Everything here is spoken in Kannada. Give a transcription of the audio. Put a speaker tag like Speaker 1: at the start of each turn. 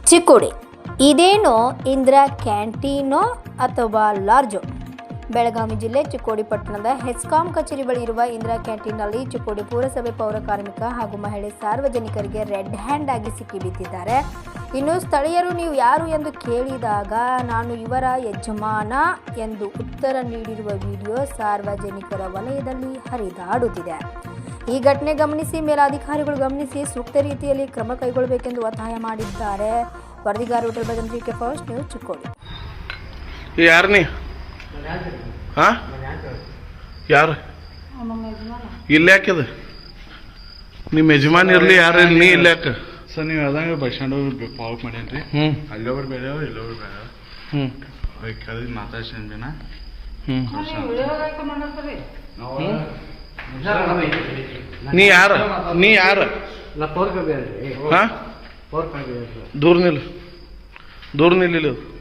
Speaker 1: ಚಿಕ್ಕೋಡಿ ಇದೇನೋ ಇಂದಿರಾ ಕ್ಯಾಂಟೀನೋ ಅಥವಾ ಲಾಡ್ಜೋ? ಬೆಳಗಾವಿ ಜಿಲ್ಲೆ ಚಿಕ್ಕೋಡಿ ಪಟ್ಟಣದ ಹೆಸ್ಕಾಂ ಕಚೇರಿ ಬಳಿ ಇರುವ ಇಂದಿರಾ ಕ್ಯಾಂಟೀನ್ನಲ್ಲಿ ಚಿಕ್ಕೋಡಿ ಪುರಸಭೆ ಪೌರ ಕಾರ್ಮಿಕ ಹಾಗೂ ಮಹಿಳೆ ಸಾರ್ವಜನಿಕರಿಗೆ ರೆಡ್ ಹ್ಯಾಂಡ್ ಆಗಿ ಸಿಕ್ಕಿಬಿದ್ದಿದ್ದಾರೆ. ಇನ್ನು ಸ್ಥಳೀಯರು ನೀವು ಯಾರು ಎಂದು ಕೇಳಿದಾಗ ನಾನು ಇವರ ಯಜಮಾನ ಎಂದು ಉತ್ತರ ನೀಡಿರುವ ವಿಡಿಯೋ ಸಾರ್ವಜನಿಕರ ವಲಯದಲ್ಲಿ ಹರಿದಾಡುತ್ತಿದೆ. ಈ ಘಟನೆ ಗಮನಿಸಿ ಮೇಲಾಧಿಕಾರಿಗಳು ಗಮನಿಸಿ ಸೂಕ್ತ ರೀತಿಯಲ್ಲಿ ಕ್ರಮ ಕೈಗೊಳ್ಳಬೇಕೆಂದು ಒತ್ತಾಯ ಮಾಡಿದ್ದಾರೆ. ವರದಿಗಾರ ಹೋಟೆಲ್ ಭಜಂತ್ರಿಕೆ ಫಸ್ಟ್ ನ್ಯೂಸ್ ಚಿಕ್ಕೋಡಿ.
Speaker 2: ಯಾರು ಯಾರು ಇಲ್ಲಿ ಯಾಕಿದೆ? ನಿಮ್ಮ ಯಜಮಾನ್ ಇರಲಿ ಯಾರು ನೀ ಇಲ್ಲಿ ಯಾಕೆ?
Speaker 3: ಸರ್ ನೀವು ಅದಂಗೆ ಬಸ್ ಸ್ಟ್ಯಾಂಡ್ ಪಾವಕ್ ಮಾಡೇನ್ರಿ. ಅಲ್ಲೊಬ್ರು ಬೇಡ ಇಲ್ಲೊಬ್ರು ಬೇಡ ಕರೆದು ಮಾತಾಡ್ಸೇನ
Speaker 2: ನೀ ಯಾರು ದೂರ ನಿಲ್ಲ